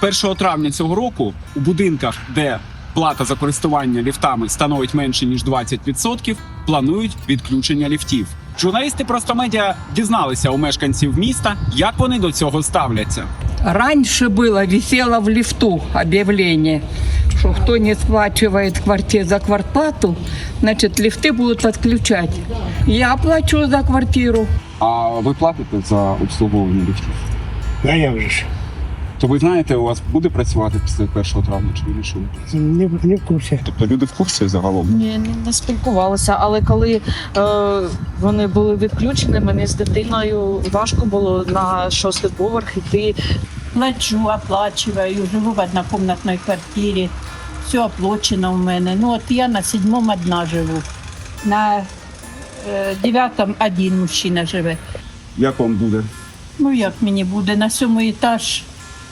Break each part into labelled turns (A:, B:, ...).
A: З 1 травня цього року у будинках, де плата за користування ліфтами становить менше, ніж 20%, планують відключення ліфтів. Журналісти Простомедіа дізналися у мешканців міста, як вони до цього ставляться.
B: Раньше было, висело в лифту объявление, что кто не сплачивает за квартплату, значит лифты будут отключать. Я плачу за квартиру.
A: А ви платите за обслуговування ліфтів?
C: А я вже ж
A: То ви знаєте, у вас буде працювати після 1 травня чи вирішили?
C: не в курсі.
A: Тобто люди в курсі загалом?
D: Ні, не спілкувалися, але коли вони були відключені, мені з дитиною важко було на 6-й поверх йти.
E: Плачу, оплачиваю, живу в однокомнатной квартире. Все оплачено у мене. Ну от я на 7-му одна живу. На 9-му один мужчина живе.
A: Як вам буде?
E: Ну як мені буде? На 7-й етаж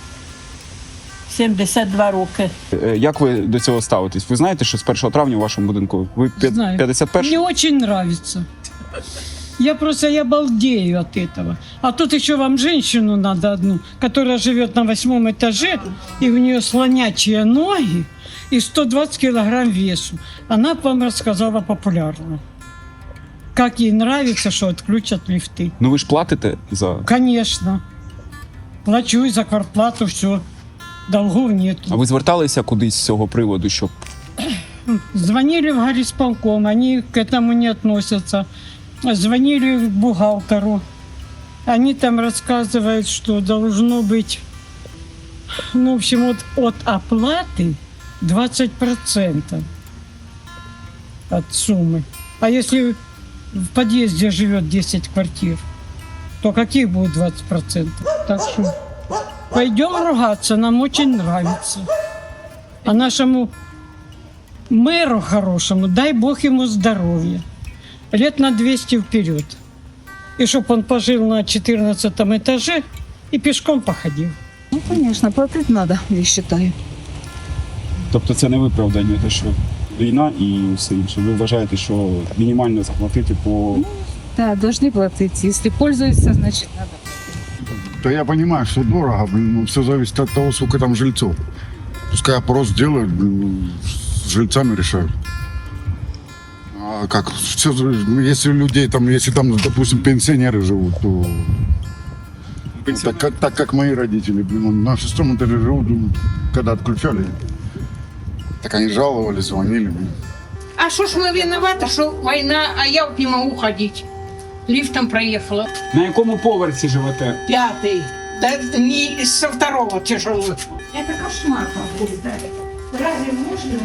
E: 72 роки.
A: Як ви до цього ставитесь? Ви знаєте, що з 1 травня у вашому будинку? Ви
F: Знаю.
A: 51-й?
F: Мне очень нравится. Я балдею от этого. А тут еще вам женщину надо одну, которая живет на 8-м этаже, и у нее слонячие ноги и 120 килограмм весу. Она б вам рассказала популярно. Как ей нравится, что отключат лифты.
A: Ну ви ж платите за...
F: Конечно. Плачу и за квартплату, все. Долгов нет.
A: А ви зверталися кудись з цього приводу, щоб...
F: Звонили в горисполком, они к этому не относятся. Звонили к бухгалтеру. Они там рассказывают, что должно быть, ну, в общем, вот от оплаты 20% от суммы. А если в подъезде живет 10 квартир, то каких будет 20%? Так что пойдем ругаться, нам очень нравится. А нашему мэру хорошему, дай Бог ему здоровья. Лет на 200 вперед. И чтоб он пожил на 14 этаже и пешком походил.
D: Ну, звісно, платити треба, я вважаю.
A: Тобто це не виправдання, те, що війна і все інше. Ви вважаєте, що мінімально заплатити по...
D: Так, повинні платити. Якщо пользуються, значить треба.
G: Да я понимаю, что дорого, блин, но все зависит от того, сколько там жильцов. Пускай опрос делают, блин, с жильцами решают. А как, все, если людей там, если там, допустим, пенсионеры живут, то так как мои родители, блин, на 6-м этаже живут, когда отключали, так они жаловались, звонили, блин.
H: А что ж мы виноваты, что война, а я вот не могу ходить. Лифтом проехала.
A: На якому поверсі живете?
H: 5-й. Да не со 2-го тяжело. Это кошмар какой-то. Разве можно?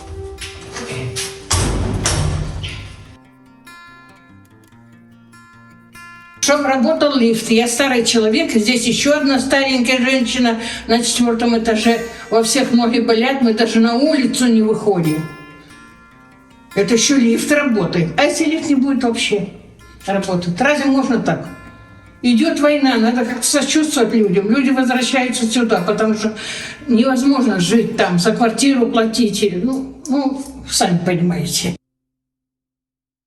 H: Чтоб работал лифт. Я старый человек, здесь еще одна старенькая женщина на 4-м этаже. Во всех ноги болят, мы даже на улицу не выходим. Это еще лифт работает. А если лифт не будет вообще работать? Разве можно так? Идет война, надо как-то сочувствовать людям. Люди возвращаются сюда, потому что невозможно жить там, за квартиру платить. Ну, сами понимаете.